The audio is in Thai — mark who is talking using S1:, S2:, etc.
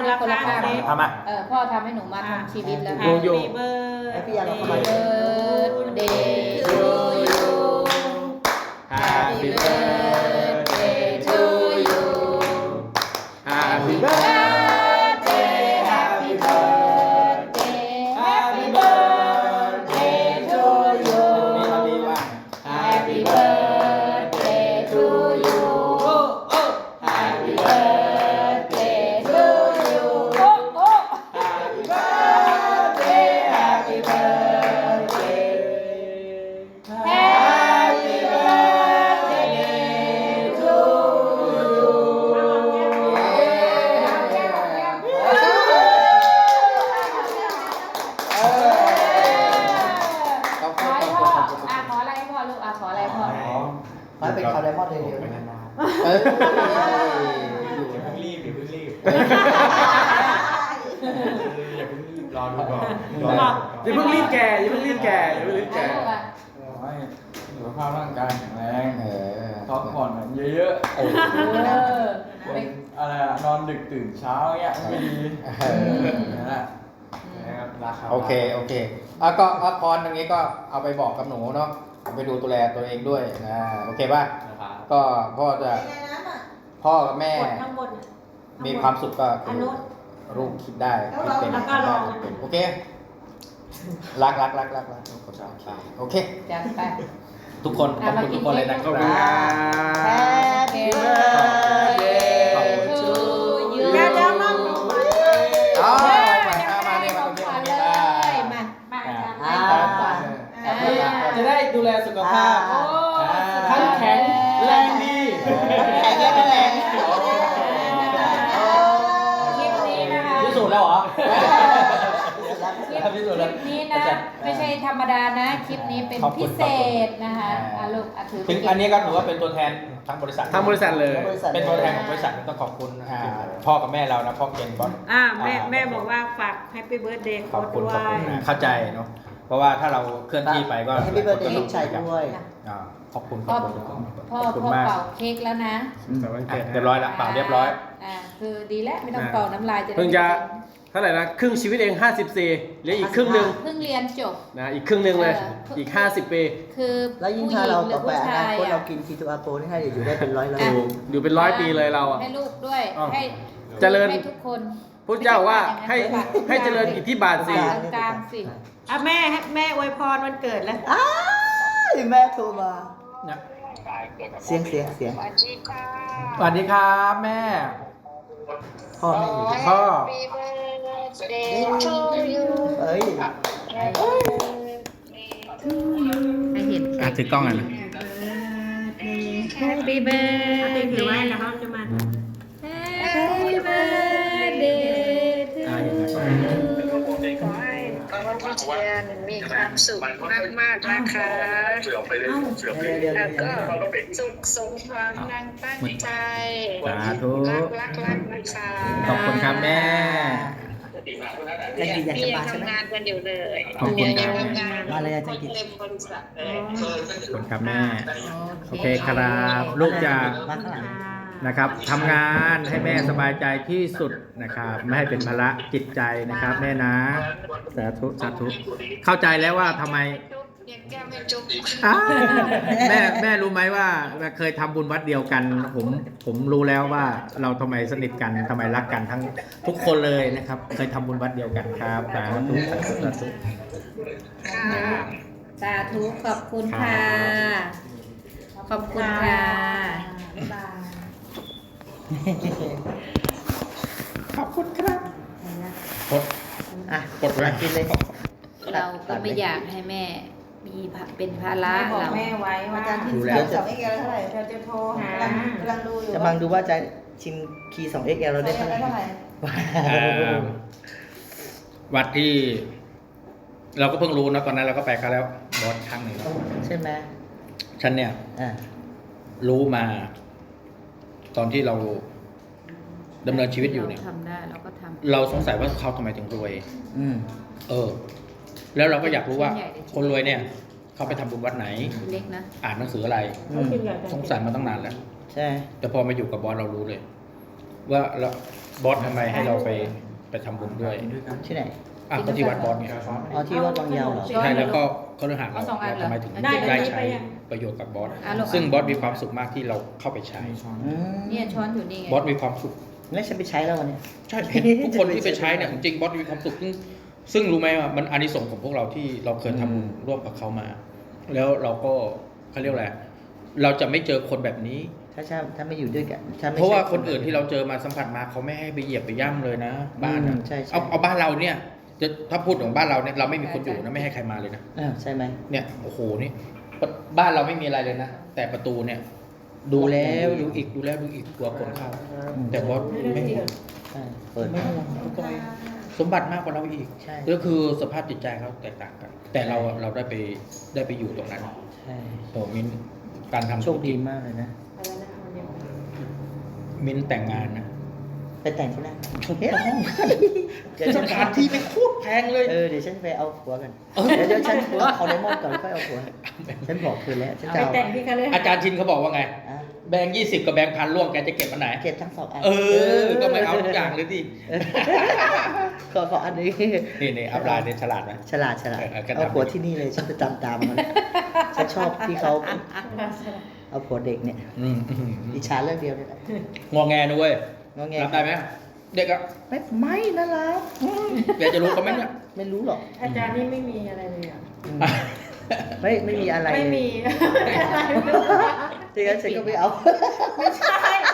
S1: คนละข้าง
S2: ทำมา
S1: พ่อทำให้หนูมาทำชีวิตแล้ว
S2: ดูอยู่
S3: พี่ยาเราเข้ามา
S1: Birthday to you Happy birthday to you
S2: Happy
S1: birthday Happy birthday Happy birthday to you
S2: นี่เราดีว่า
S1: Happy birthday to you Happy birthday to you Happy birthday Happy birthday Happy birthday to you ขอให้พ่อขออะไรให้พ่อลูกขออะไรพ่อ
S3: ขอให้เป็นคาร์ไดมอนด์เร็วๆนะ
S2: อย่าเพิ่งรีบอย่าเพิ่งรีบรอดูก่อนอย่าเพิ่งรีบแก่อย่าเพิ่งรีบแก่อย่าเพิ่งรีบแก่
S4: ขอให้สุขภาพร่างกายแข็งแรงพักผ่อนเยอะๆอะไรอะนอนดึกตื่นเช้าเงี้ยไม่ดีนั่นแหละราคา
S5: โอเคก็พรตรงนี้ก็เอาไปบอกกับหนูเนาะเอาไปดูตัวแลตัวเองด้วยนะโอเคป่ะก็พ่อกับแม่มีความสุขก็คือลูกคิดได้คิดเป็นทำได้เป็นโอเครักโอเค
S1: จัดไป
S5: ทุกคนขอบคุณทุกคนเลยนะค
S2: ขอบ
S5: รั
S2: คุณครับ บ
S1: Happy birthday to you
S5: อ๋อ
S1: มาเลยมา
S2: จะได้ดูแลสุขภาพทั้งแข็งแรงดี
S1: คลิปนี้นะคะ
S5: พิสูจน์แล้วเหรอ
S1: คลิปนี้นะไม่ใช่ธรรมดานะคลิปนี้เป็นพิเศษนะคะลูกถือ
S5: ถึงอันนี้ก็ถือว่าเป็นตัวแทนทั้งบริษัท
S2: ทั้งบริษัทเลย
S5: เป็นตัวแทนของบริษัทต้องขอบคุณพ่อกับแม่เรานะพ่อเกณฑ์บอส
S6: แม่บอกว่าฝากแฮปปี้เบิร์ดเดย์
S5: ขอบคุณ
S6: ด้วย
S5: เข้าใจเนาะเพราะว่าถ้าเราเคลื่อนที่ไปก็
S3: ให้พี่เบิร์ดเดย์ลูกชายด้วย
S5: ขอบคุณ
S1: พ่อ
S5: ขอบคุณมาก
S1: เป่าเค้กแล้วนะ
S5: เรียบร้อยแล้วเปล่าเรียบร้อย
S1: คือดีแล้วไม่ต้องเป่าน้ำลายจะได้
S2: เพิ่งจะเท่าไหร่นะครึ่งชีวิตเอง54เหลืออีกครึ่งหนึ่ง
S1: เพิ่งเรียนจบ
S2: นะอีกครึ่งหนึ่งเลยอีก50 ปี
S1: คือ
S3: แล้วยิ่ง
S1: ผู้ห
S3: ถ้า
S1: ญิ
S3: เรา
S1: งหรื
S3: ต่อ
S1: อ
S3: ไป
S1: ผู้
S3: อนา
S1: ชาย
S3: คตเรากินคีโตอาโปนี่ให้อยู่ได้เป็นร้อย
S2: อยู่เป็น100 ปีเลยเราอ่ะ
S1: ให้ลูกด้วย
S2: อ้าว
S1: ให้
S2: เจริญ
S1: ให้ทุกคน
S2: พุทธเจ้าว่าให้เจริญอิทธิบาทสิ
S1: กลางสิ
S6: แม่อวยพรวันเกิดแล้ว
S3: แม่โทรมาเสียง
S5: สวัสดีครับแม่
S3: พ่อแม่อยู่
S5: พ่อ
S3: เอ้ย
S1: ให้เห็น
S5: ถือกล้องอ่ะนะ
S1: Happy birthday
S6: ถือไว้แล้วเขาจะมา
S1: Happy birthday to
S7: ขอให้วันที่เทียนมีความสุขมากๆนะคะแล้วก็สุขสมความดังตั้งใจ
S5: สาธุ
S7: รักนะคะ
S5: ขอบคุณครับแม่
S3: จังกิอยาก
S7: พี่
S3: จะ
S7: ยัง
S3: มาใช่ไหม
S7: ทำงานกันอยู่เลย
S5: ขอบคุณครับ
S7: ยังทำงาน
S3: มาเลยจังกิ
S7: เต็มบริษัทเลย
S5: ขอบคุณครับแม่ โอเคครับลูกจะ
S3: มาข้างหลัง
S5: นะครับทำงานให้แม่สบายใจที่สุดนะครับไม่ให้เป็นภาระจิตใจนะครับแม่นะสาธุเข้าใจแล้วว่าทำไม
S7: จุ๊บยังแก้มไม่จุ๊บ
S5: อ้าวแม่รู้ไหมว่าเคยทำบุญวัดเดียวกันผมรู้แล้วว่าเราทำไมสนิทกันทำไมรักกันทั้งทุกคนเลยนะครับ เคยทำบุญวัดเดียวกันครับสาธุสาธุ
S1: สาธุขอบคุณค่ะ ขอบคุณค่ะ
S5: ขอบคุณครับกด
S3: กดมากินเลย
S1: เราก็ไม่อยากให้แม่มีเป็นภาระ
S6: บอก
S1: เรา
S6: แม่ไว้ว่า
S5: ดูแล้ว
S3: 2 XL เท่าไหร่
S6: เราจะโทรหา
S3: จะบังดูว่าจะชิมคีย์2 XL เราได้เท่าไหร่
S5: วัดที่ เราก็เพิ่งรู้นะตอนนั้นเราก็ไปเขาแล้วบอสครั้งหนึ่งแล้ว
S3: ใช่ไหม
S5: ฉันเนี่ย
S3: อ่า
S5: รู้มา ตอนที่เราดำเนินชีวิตอยู่เนี่ย
S1: ทำได้เราก็ทำ
S5: เราสงสัยว่าเขาทำไมถึงรวย แล้วเราก็อยากรู้ว่า คนรวยเนี่ย เขาไปทำบุญวัดไหน
S1: เล็กนะ
S5: อ่านหนังสืออะไร สงสัยมาตั้งนานแล้ว
S3: ใช่
S5: แต่พอมาอยู่กับบอสเรารู้เลย ว่าเราบอสทำไมให้เราไปทำบุญด้วย
S3: ที่ไหน
S5: อ่ะก็ที่วัดบอสเนี่ย
S3: อ๋อที่วัดบางยาวเหรอ
S5: ใช่แล้วก็เขาเรื่องหาเรา
S1: เอาสองอันเหรอ
S5: ทำไมถึง
S6: ได้
S5: ได้ใช้ประโยชน์กับบอส
S1: อ่ะลูก
S5: ซึ่งบอสมีความสุขมากที่เราเข้าไปใช้
S3: อืม
S1: เนี่ยช้อนอยู่นี่ไง
S5: บอสมีความสุข
S3: งั้นฉันไปใช้แล้ววันเนี้ย
S5: ใช่เห็นทุกคนที่ไปใช้เนี่ยจริงๆบอสมีความสุขซึ่งรู้ไหมว่ามันอานิสงส์ของพวกเราที่เราเคยทำบุญร่วมกับเขามา แล้วเราก็เขาเรียกอะไรเราจะไม่เจอคนแบบนี้
S3: ถ้าไม่อยู่ด้วยกันถ้ไม่
S5: เพราะว่า
S3: ใช่
S5: คนอื่นที่เราเจอมาสัมผัสมาเขาไม่ให้ไปเหยียบไปย่ำเลยนะ บ้านนะ
S3: ใช่ใช่
S5: เอาบ้านเราเนี่ยจะถ้าพูดของบ้านเราเนี่ยเราไม่มีคนอยู่นะไม่ให้ใครมาเลยนะ
S3: ใช่ไหม
S5: เนี่ยโอ้โหนี่บ้านเราไม่มีอะไรเลยนะแต่ประตูเนี่ย ดูแล้วดูอีกดูแล้วดูอีกกลัวคนเข้า แต่บอสไม่ห่วง
S3: ใช่เปิด
S5: ไม่ห่วงทุกคนสมบัติมากกว่าเราอีก
S3: ใช่
S5: ก็คือสภาพจิตใจเขาแตกต่างกัน แต่เราได้ไปอยู่ตรงนั้น
S3: ใช่
S5: โอ้มินการทำ
S3: โชคดีมากเลยนะ
S5: มินแต่งงานนะ
S3: ไปแต่งที่นั่น
S5: ถูกต้อง
S3: เดี๋ยว
S5: ส
S3: ฉัน
S5: ถานที่ไม่โคตรแพงเลย
S3: เดี๋ยวฉันไปเอาผัวกันเดี๋ยวฉันเอาไดมอนด์ก่อนแล้วค่อยเอาผัวฉันบอกเธอแล้วฉัน
S6: เอา
S3: จะ
S6: ไป
S3: เอา
S6: แต่งที่กันเลย
S5: อาจารย์ชินเขาบอกว่าไง
S3: อ่ะ
S5: แบงค์20 กับแบงค์พันร่วมแกจะเก็บอันไหน
S3: เก็บทั้งสองอัน
S5: ก็ไม่เอาทุกอย่างเลยดิ
S3: ขออันนี้
S5: นี่อัพไลน์เนี่ยฉลาดไหม
S3: ฉลาด
S5: ก็ทำ
S3: เอาผัวที่นี่เลยฉันไปตามมันฉันชอบที่เขาเอาผัวเด็กเนี่ย
S5: อืม
S3: อิจฉาเรื่องเดียวนี่แหละ
S5: งอแงนะเว้ย
S3: งอแง
S5: รับได้ไหมเด็กอะ
S3: ไม่น่ารัก
S5: แกจะรู้เขาไหมเนี่ย
S3: ไม่รู้หรอก
S6: อาจารย์นี่ไม่มีอะไรเลยอ่ะ
S3: ไม่มีอะไร
S6: ไม่มี
S3: ทีนั้นฉันก็ไม่เอา
S6: ไม่ใช่